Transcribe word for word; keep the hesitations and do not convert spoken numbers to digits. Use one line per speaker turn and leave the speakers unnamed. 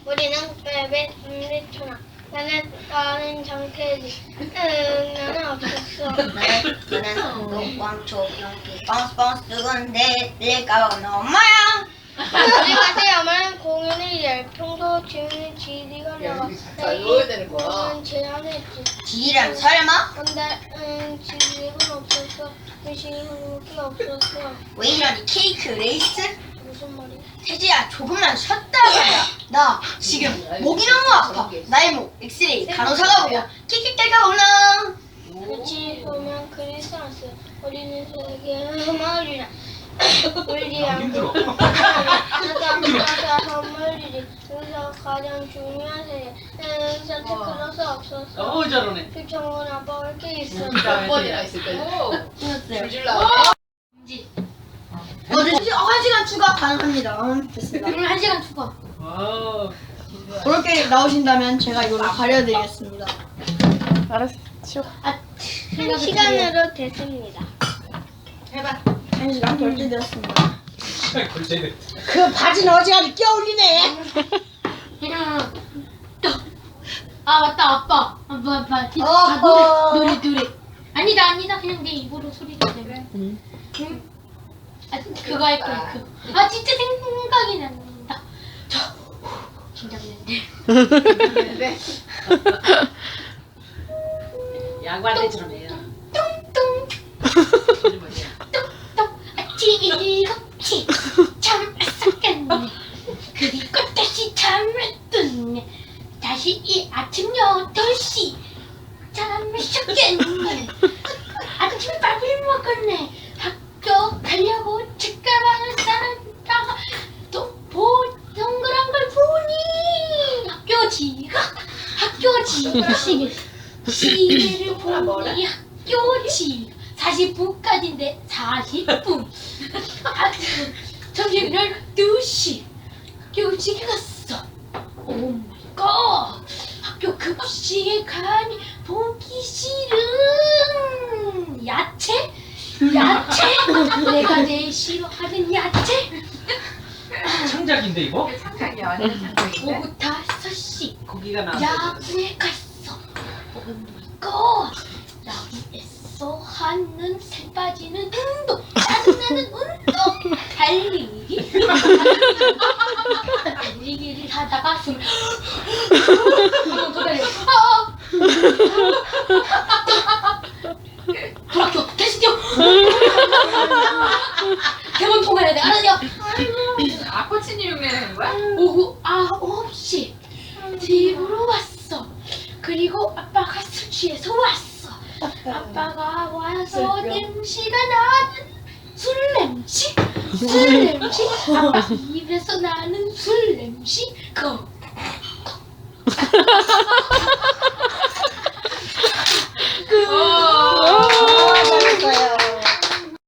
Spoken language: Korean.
우리는 매매초나 나는 나는 장태지. 응, 나는 없었어.
나는 나는 왕초 용기 바운스 바운스 누군데 내가 엄마야.
우리 같은 엄마는 공연을 열 평소 지훈이 지리가 나가.
잘 넣어야 되는 거야.
공연 제안했지.
지리랑 설마?
근데 응, 지리가 없었어. 의식이 한국이 없었어.
왜 이러니 케이크 레이스?
무슨 말이야?
태지야 조금만 쉬었다 가자. 나 지금 목이 너무 아파. 나의 목 엑스레이 간호사가 보고 킥킥대가 올라.
그치 보면 크리스마스 우리는 세계 마을이라 우리
힘들어.
아까 선물이지. 여기서 가장 중요한 세계 산타클로스 없었어.
어 저러네.
표창원 아빠가 이렇게 있어.
몇 번이나 있을 거야? 줄줄 나와.
어, 한 시간 추가 가능합니다. 음, 됐습니다.
그럼 한 시간 추가.
와.
그렇게 나오신다면 제가 이걸로 가려드리겠습니다.
알았어. 치워.
한 시간으로 됐습니다.
해봐. 한 시간 결제되었습니다.
걸쳐야
그 바지는 어지간히 껴올리네.
그냥 아 맞다 아빠. 아 뭐, 아빠. 아
어허.
노래 노래 노래. 아니다 아니다 그냥 내 입으로 소리 내면.
응.
음. 아 그거 할 거야 그. 아 진짜 생각이 난다. 저 긴장되는데.
네. 양반들처럼 해요.
뚱뚱
소리 뭐냐?
뚱뚱 아찌이겁지 참 썩겠네. 그리고 다시 잠을 ጡ네. 다시 이 아침 여덟 시 잠을 쉬겠네. 아침밥을 먹었네. 학교 가려고 책가방을 싸다가 또 보, 동그란 걸 보니 학교 지각 학교 지각 시계 시계를 보니 학교 지각 사십 분까지인데 사십 분 점심 열두 시 학교 지각 갔어. 오 마이 갓 학교 급식에 가니 보기 싫은 야채? 야채? 내가 제일 싫어하는 야채?
창작인데 이거?
창작이야, 완전 창작인데.
오후 다섯 시
고기가 나.
야구에 갔어. 오마이갓 야구에서 하는 살 빠지는 운동 짜증나는 운동 달리기 달리기를 하다가 숨 한번 더 달려. 아! 불학교 다시 뛰어. 대본 통과해야 돼. 알았냐?
아코치니 흉내내는 거야?
오후 아홉 시 집으로 왔어. 그리고 아빠가 술 취해서 왔어. 아빠가 와서 냄새가 나는 술 냄새? 술 냄새? 아빠 입에서 나는 술 냄새? 거.